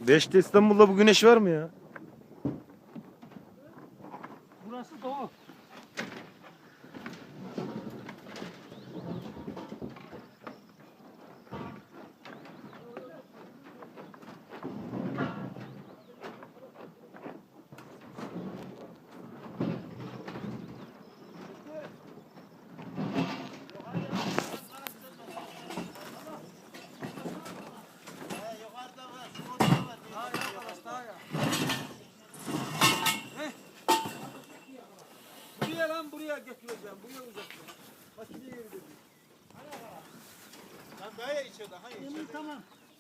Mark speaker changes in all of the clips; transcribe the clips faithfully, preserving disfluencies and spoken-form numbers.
Speaker 1: Beşte İstanbul'da bu güneş var mı ya?
Speaker 2: Burası doğu. Buraya lan buraya götüreceğim. Buraya uzatacağım. Makineyi yeri dedi.
Speaker 3: Lan daha ya içeride. Hayır içeride.
Speaker 2: Tamam.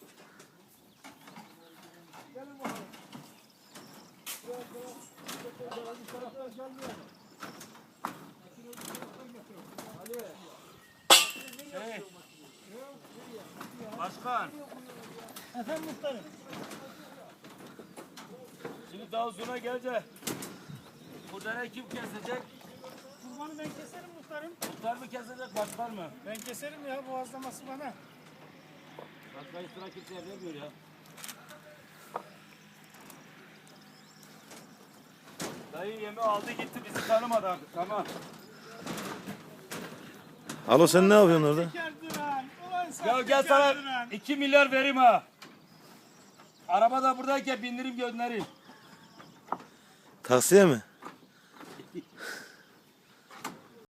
Speaker 2: Gelin bakalım. Biraz daha bu taraftan gelmiyor mu? Ali.
Speaker 3: Hey. Başkan.
Speaker 2: Efendim muhtarım.
Speaker 3: Şimdi daha sonra gelecek. Burada ne kim kesecek?
Speaker 2: Kurbanı ben keserim muhtarım.
Speaker 3: Muhtar mı kesecek, başkan mı?
Speaker 2: Ben keserim ya, boğazlaması bana.
Speaker 3: Başkayı sıra kimseye vermiyor ya. Dayı yemi aldı gitti, bizi tanımadı artık, tamam.
Speaker 1: Alo sen ne yapıyorsun orada?
Speaker 2: Kerduran. Ulan sen
Speaker 3: Ya gel sana iki milyar vereyim ha. Araba da buradayken bindirip göndereyim.
Speaker 1: Taksiye mi?